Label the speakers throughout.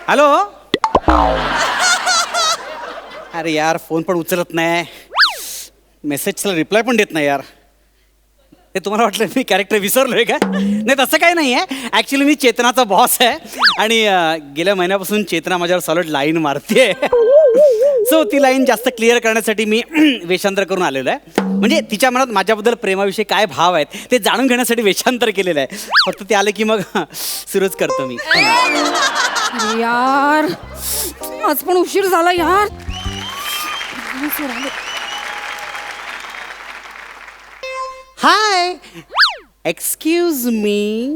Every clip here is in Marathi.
Speaker 1: हॅलो. अरे यार फोन पण उचलत नाही, मेसेजला रिप्लाय पण देत नाही यार. ते तुम्हाला वाटलं मी कॅरेक्टर विसरलोय का? नाही तसं काही नाही आहे. ॲक्च्युली मी चेतनाचा बॉस आहे आणि गेल्या महिन्यापासून चेतना माझ्यावर सॉलिड लाईन मारते. सो ती लाईन जास्त क्लिअर करण्यासाठी मी वेषांतर करून आलेलो आहे. म्हणजे तिच्या मनात माझ्याबद्दल प्रेमाविषयी काय भाव आहेत ते जाणून घेण्यासाठी वेषांतर केलेलं आहे. फक्त ते आले की मग सुरूच करतो मी.
Speaker 2: यार आज पण उशीर झाला यार.
Speaker 1: हाय, एक्सक्यूज मी.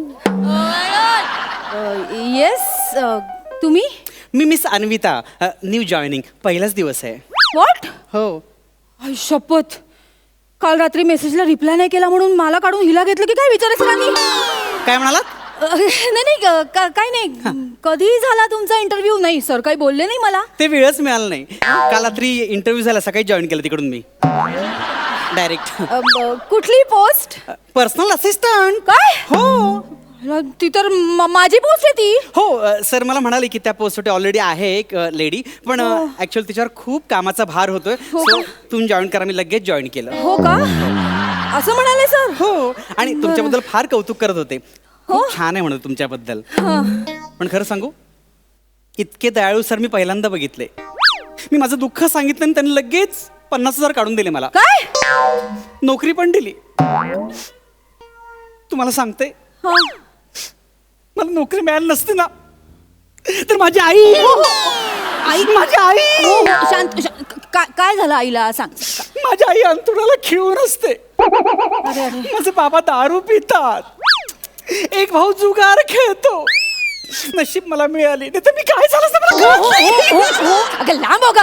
Speaker 2: येस तुम्ही
Speaker 1: मी मिस अन्विता, न्यू जॉईनिंग, पहिलाच दिवस आहे.
Speaker 2: व्हॉट?
Speaker 1: हो.
Speaker 2: शपथ, काल रात्री मेसेजला रिप्लाय नाही केला म्हणून मला काढून हिला घेतलं की काय विचारायचं सरांनी?
Speaker 1: काय म्हणालात?
Speaker 2: नाही नाही काय नाही. कधी झाला तुमचा इंटरव्ह्यू? नाही सर काही बोलले नाही मला.
Speaker 1: ते वेळच मिळालं नाही. काल रात्री इंटरव्ह्यू झाला, सकाळी जॉईन केलं तिकडून मी डायरेक्ट.
Speaker 2: कुठली पोस्ट?
Speaker 1: Personal assistant.
Speaker 2: काय?
Speaker 1: हो
Speaker 2: ती तर माझी पोस्ट आहे ती.
Speaker 1: हो सर मला म्हणाले की त्या पोस्टसाठी ऑलरेडी आहे एक लेडी, पण ऍक्च्युअली तिच्यावर खूप कामाचा भार होतोय. सो तुम्ही जॉईन करा. मी लगेच जॉईन केलं.
Speaker 2: हो का? असं म्हणाले सर?
Speaker 1: हो, आणि तुमच्याबद्दल फार कौतुक करत होते. खूप छान आहे म्हणत तुमच्याबद्दल. पण खरं सांगू, इतके दयाळू सर मी पहिल्यांदा बघितले. मी माझं दुःख सांगितलं आणि त्यांनी लगेच 50,000 काढून दिले मला.
Speaker 2: काय?
Speaker 1: नोकरी पण दिली. तुम्हाला सांगते, मला नोकरी मिळाली नसती ना तर माझी आई माझी आई
Speaker 2: शांत. काय झालं आईला सांग.
Speaker 1: माझी आई अंथरुणाला खिळून असते. माझे बाबा दारू पितात. एक भाऊ जुगार खेळतो. नशीब मला मिळाली, नाही तर मी काय झालं असतं मला कळत नाही.
Speaker 2: अगं लांब हो का.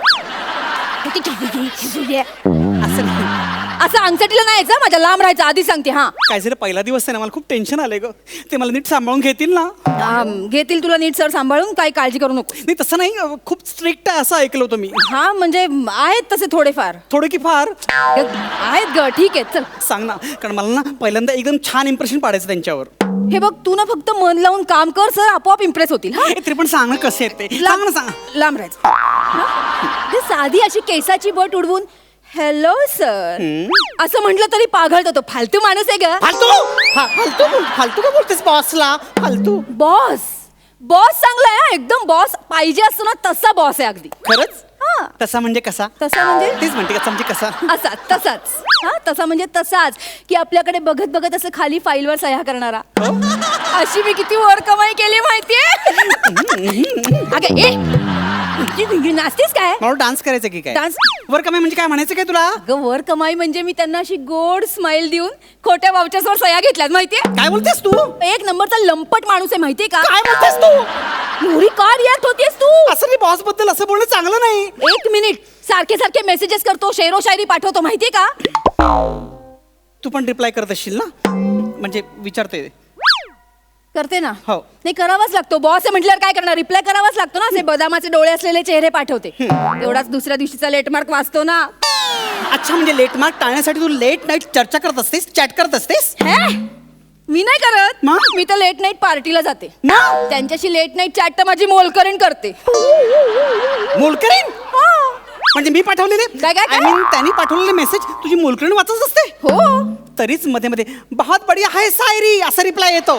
Speaker 2: असं अंगठीला नाही यायचं, माझ्या लांब राहायचं आधी सांगते. हा
Speaker 1: काय झालं, पहिला दिवस आहे ना, मला खूप टेन्शन आलंय ग. ते मला नीट सांभाळून घेतील ना?
Speaker 2: घेतील तुला नीट सर सांभाळून, काही काळजी करू नको.
Speaker 1: नाही तसं नाही, खूप स्ट्रिक्ट आहे असं ऐकलं होतं मी.
Speaker 2: हा म्हणजे आहेत तसे थोडेफार.
Speaker 1: थोडे की फार
Speaker 2: आहेत ग. ठीक आहे चल
Speaker 1: सांग ना, कारण मला ना पहिल्यांदा एकदम छान इम्प्रेशन पाडायचं त्यांच्यावर.
Speaker 2: हे बघ तू ना फक्त मन लावून काम कर, सर आपोआप इम्प्रेस होतील. हा
Speaker 1: तरी पण सांग ना कसे आहेत ते. सांग ना, सांग.
Speaker 2: लांब राहायचं. हा? साधी अशी केसाची बट उडवून हॅलो सर असं म्हटलं तरी पाघळतो तो. फालतू माणूस आहे ग.
Speaker 1: फालतू फालतू फालतू का बोलतेस बॉसला? फालतू.
Speaker 2: बॉस बॉस चांगला आहे एकदम. बॉस पाहिजे असतो ना तसा बॉस आहे अगदी.
Speaker 1: खरंच?
Speaker 2: हा
Speaker 1: तसा म्हणजे कसा?
Speaker 2: तसा म्हणजे
Speaker 1: तेच म्हणते कसा म्हणजे कसा?
Speaker 2: असा तसाच. हा तसा म्हणजे तसाच की आपल्याकडे बघत बघत असं खाली फाईलवर सह्या करणारा. अशी मी किती वर कमाई केली माहितीये. अगं ए नाचतेस काय?
Speaker 1: मला डान्स करायचं की काय?
Speaker 2: डान्स
Speaker 1: वर कमाई म्हणजे काय म्हणायचं काय तुला?
Speaker 2: अगं वर कमाई म्हणजे मी त्यांना अशी गोड स्माइल देऊन खोट्या वावच्यासवर सह्या घेतल्यात माहितीये.
Speaker 1: काय बोलतेस तू?
Speaker 2: एक नंबरचा लंपट माणूस आहे माहितीये का?
Speaker 1: काय बोलतेस तू?
Speaker 2: एवढी का रिॲक्ट होतेस तू?
Speaker 1: असं नाही, बॉस बद्दल असं बोलणं चांगलं नाही.
Speaker 2: एक मिनिट. सारखे सारखे मेसेजेस करतो, शेरो शायरी पाठवतो माहितीये का?
Speaker 1: तू पण रिप्लाय करत असशील ना? म्हणजे विचारते.
Speaker 2: करते ना.
Speaker 1: हो.
Speaker 2: नाही करावाच लागतो. बॉस आहे म्हटल्यावर काय करणार, रिप्लाय करावाच लागतो ना. असे बदामाचे डोळे असलेले चेहरे पाठवते. एवढाच दुसऱ्या दिवशीचा लेटमार्क वाचतो ना.
Speaker 1: अच्छा, म्हणजे लेट मार्क टाळण्यासाठी तू लेट नाईट चर्चा करत असतेस, चॅट करत असतेस?
Speaker 2: मी नाही करत.
Speaker 1: मग?
Speaker 2: मी तर लेट नाईट पार्टीला जाते.
Speaker 1: मग?
Speaker 2: त्यांच्याशी लेट नाईट चॅट तर माझी मोलकरीण करते.
Speaker 1: मोलकरीण? म्हणजे मी पाठवलेले
Speaker 2: काय?
Speaker 1: आय मीन त्यांनी पाठवलेले मेसेज तुझी मोलकरीण वाचत असते?
Speaker 2: हो.
Speaker 1: तरीच मध्ये मध्ये बहुत बढिया है शायरी असा रिप्लाय येतो.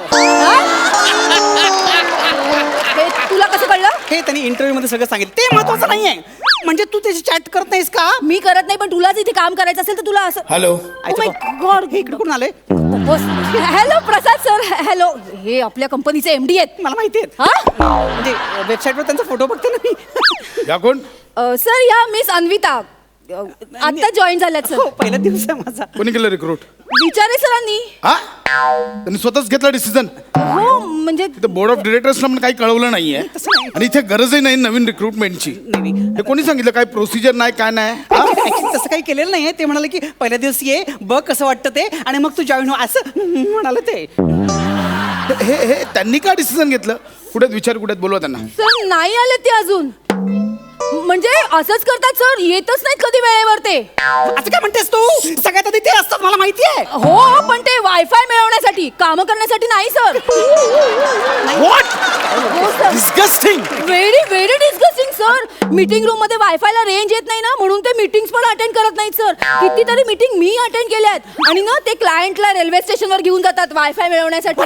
Speaker 2: हे तुला कसं कळलं?
Speaker 1: हे त्यांनी इंटरव्ह्यू मध्ये सगळं सांगितलं. ते महत्वाचं नाहीये. म्हणजे तू त्याची चॅट करत नाहीस का?
Speaker 2: मी करत नाही, पण तुलाच इथे काम करायचं असेल तर तुला असं.
Speaker 3: हॅलो.
Speaker 2: गॉड
Speaker 1: हे इकडे कोण आले?
Speaker 2: Hello Prasad sir. हॅलो. हे आपल्या कंपनीचे एमडी आहेत.
Speaker 1: मला माहिती आहे.
Speaker 2: हा
Speaker 1: म्हणजे वेबसाईटवर त्यांचा फोटो बघते ना मी.
Speaker 3: या कोण?
Speaker 2: सर या मिस अन्विता आता जॉईन झाल्यात सर.
Speaker 1: हो, पहिला दिवस आहे माझा.
Speaker 3: कोणी केलं रिक्रूट?
Speaker 2: विचारे सरांनी.
Speaker 3: हा, त्यांनी स्वतःच घेतला डिसिजन.
Speaker 2: हो म्हणजे
Speaker 3: बोर्ड ऑफ डिरेक्टर्सला पण काही कळवलं नाहीये आणि इथे गरजही नाही नवीन रिक्रुटमेंटची. हे कोणी सांगितलं? काय प्रोसिजर नाही, काय नाही?
Speaker 1: Actually तसं काही केलेलं नाहीये. ते म्हणाले की पहिल्या दिवस ये, बघ कसं वाटतं ते, आणि मग तू जॉईन हो असं म्हणाले ते.
Speaker 3: हे त्यांनी का डिसिजन घेतलं? कुठे विचार, कुठे बोलवा त्यांना.
Speaker 2: सर नाही आले ते अजून. म्हणजे असंच करतात सर, येतच नाहीत कधी वेळेवर ते.
Speaker 1: असं काय म्हणतेस तू? सगळ्यात आधी ते असतात मला माहिती आहे.
Speaker 2: हो पण ते वायफाय मिळवण्यासाठी, काम करण्यासाठी नाही सर.
Speaker 1: What?
Speaker 2: हो sir.
Speaker 1: Disgusting.
Speaker 2: Very very disgusting sir. Meeting room मध्ये वायफायला रेंज येत नाही ना, म्हणून ते मीटिंग्स पण अटेंड करत नाहीत सर. कितीतरी मीटिंग मी अटेंड केल्यात आणि ना ते क्लायंटला रेल्वे स्टेशनवर घेऊन जातात वायफाय मिळवण्यासाठी.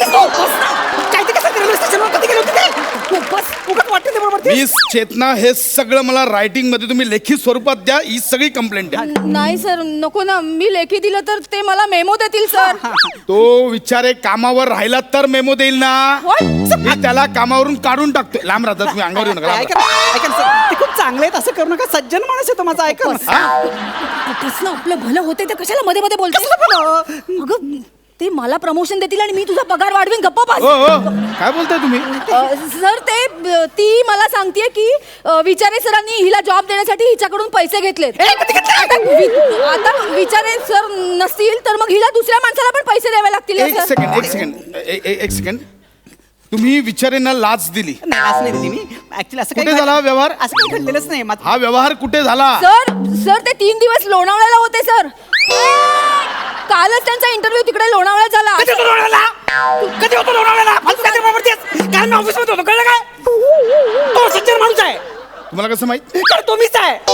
Speaker 3: मिस चेतना, हे सगळं मला रायटिंग मध्ये तुम्ही लेखी स्वरूपात द्या. ही सगळी कंप्लेंट आहे.
Speaker 2: नाही सर, नको ना. मी लेखी दिलं तर ते मला मेमो देतील सर.
Speaker 3: तो विचारे कामावर राहिला तर मेमो देईल ना. मी त्याला कामावरून काढून टाकतोय. लांब राहतात तुम्ही, अंगावर येऊ नका. लांब
Speaker 1: ऐका ना, ऐका ना, सर. ते खूप चांगले आहेत, असं करू नका. सज्जन माणूस आहे तो माझा. ऐका ना.
Speaker 2: कसलं आपलं भलं होते ते कशाला मध्ये मध्ये बोलते. अगं ते मला प्रमोशन देतील आणि मी तुझा पगार वाढवीन. गप्पा बस.
Speaker 3: हो हो, काय बोलताय तुम्ही?
Speaker 2: सर ते ती मला सांगतेय की विचारे सरांनी हिला जॉब देण्यासाठी हिच्याकडून पैसे घेतलेत. आता विचारे सर नसतील तर मग हिला दुसऱ्या माणसाला पण पैसे द्यावे लागतील ना,
Speaker 3: एक
Speaker 2: सर?
Speaker 3: सेकंड, एक सेकंड, एक सेकंड. तुम्ही विचारेंना लाच दिली.
Speaker 1: नाही, असं नाही दिली मी. ऍक्च्युली असं
Speaker 3: कुठे झाला हा व्यवहार?
Speaker 1: असं काही घडलेलंच नाही.
Speaker 3: हा व्यवहार कुठे झाला?
Speaker 2: सर सर ते 3 दिवस लोणावळ्याला होते सर. कालच त्यांचा इंटरव्ह्यू तिकडे लोणावळ्यात झाला.
Speaker 1: कधी होतो लोणावळ्याला? कधी होतो लोणावळ्याला? फालतू काहीतरी बोलतेस. काल मी ऑफिस मध्ये होतो, कळलं काय? तो सज्जन माणूस आहे.
Speaker 3: तुम्हाला कसं माहित?
Speaker 1: तर तो मीच आहे.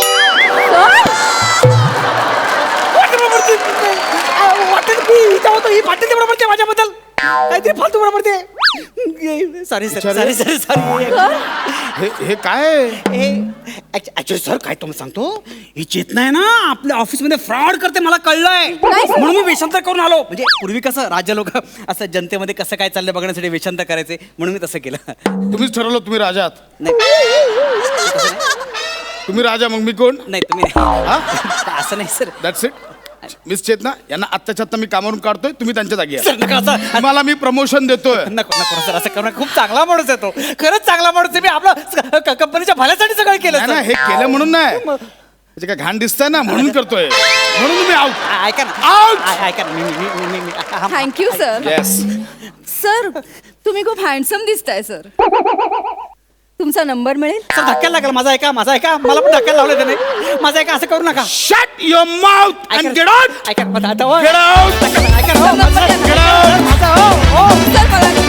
Speaker 1: वाटेल मी हिचा होतो, ही पाटील बरोबर ते माझ्याबद्दल काहीतरी फालतू बरोबर ते. Sorry sir, sorry sir, sorry.
Speaker 3: हे काय?
Speaker 1: ऍक्च्युली सर काय तुम्ही सांगतो, ही चेतना आहे ना आपल्या ऑफिसमध्ये फ्रॉड करते, मला कळलंय.
Speaker 2: नाही सर.
Speaker 1: म्हणून मी वेषांतर करून आलो. म्हणजे पूर्वी कसं राज्य लोक असं जनतेमध्ये कसं काय चाललंय बघण्यासाठी वेषांतर करायचे, म्हणून मी तसं केलं.
Speaker 3: तुम्हीच ठरवलं तुम्ही राजा आहात.
Speaker 1: नाही
Speaker 3: तुम्ही राजा, मग मी कोण?
Speaker 1: नाही तुम्ही नाही. असं नाही sir.
Speaker 3: That's it. Miss Chetana, यांना आत्ताच्या आत्ता मी कामावरून काढतोय. तुम्ही त्यांच्या जागी या.
Speaker 1: सर नका असं.
Speaker 3: तुम्हाला मी प्रमोशन देतोय.
Speaker 1: नको नको सर, असं करणं. खूप चांगला माणूस आहे तो, खरंच चांगला माणूस आहे. मी आपलं कंपनीच्या भल्यासाठी सगळं केलं
Speaker 3: नाही ना,
Speaker 1: सर.
Speaker 3: हे केलं म्हणून नाही. म्हणजे काय घाण दिसतंय ना, म्हणून करतोय. म्हणून तुम्ही आउट.
Speaker 1: ऐका ना,
Speaker 3: Out!
Speaker 1: ऐका ना, मी
Speaker 2: थँक्यू सर.
Speaker 3: येस.
Speaker 2: सर तुम्ही खूप हँडसम दिसताय सर. तुमचा नंबर मिळेल?
Speaker 1: सर धक्क्याला लागला. माझा ऐका, माझा ऐका. मला पण धक्क्याला लावलं त्याने. माझा ऐका, असं करू नका.
Speaker 3: Shut your mouth and get out.
Speaker 1: ऐका ना, आता हो.
Speaker 3: Get out.
Speaker 1: ऐका ना, हो.
Speaker 2: नंबर द्या ना.
Speaker 1: माझा हो.
Speaker 2: सर मला